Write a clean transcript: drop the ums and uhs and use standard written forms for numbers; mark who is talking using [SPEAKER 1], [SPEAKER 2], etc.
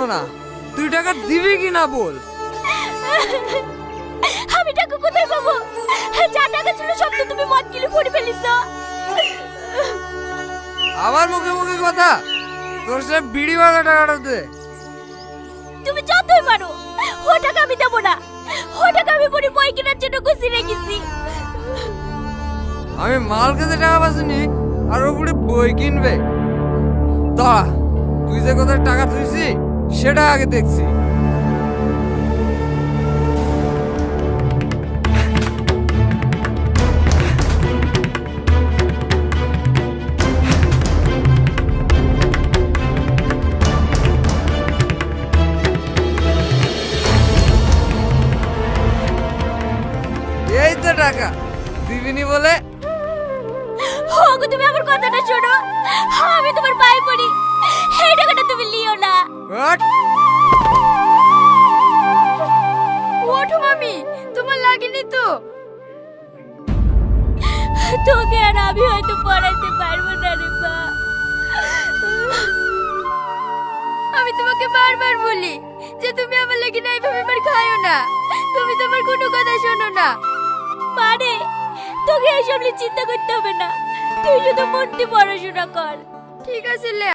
[SPEAKER 1] না, তুই টাকা দিবি কি না বল।
[SPEAKER 2] আমি টাকা কোথায় পাবো? যা টাকা ছিল সব তো তুমি মদ গিলে পড়ে ফেলিস।
[SPEAKER 1] আবার মুখে মুখে কথা, তোর সে বিড়ি ভাঙা টাকাটা দে।
[SPEAKER 2] তুমি যতই মারো ও টাকা আমি দেবো না। ও টাকা আমি পরে বই কেনার জন্য গুছিয়ে রেখেছি।
[SPEAKER 1] আমি মাল খেতে টাকা পাচ্ছিনি আর ওপরে বই কিনবে। তা তুই যে কোথায় টাকা তুইছি সেটা আগে দেখছি। এই তো টাকা দিবিনি বলে।
[SPEAKER 2] ওগো তুমি আমার কথাটা শোনো, আমি তোমার পায়ে পড়ি, এই টাকাটা তুমি লিও না।
[SPEAKER 1] হট!
[SPEAKER 2] ওঠো মামি, তোমার লাগেনি তো? তোকে আর আমি হয়তো পড়াইতে পারবো না রে মা। আমি তোমাকে বারবার বলি যে তুমি আমার লাগি না এইভাবে মার খাইও না, তুমি তোমার কোনো কথা শোনো না। পারে তোকে এইসব নিয়ে চিন্তা করতে হবে না, তুই শুধু মন দিয়ে পড়াশোনা কর। ঠিক আছে লে।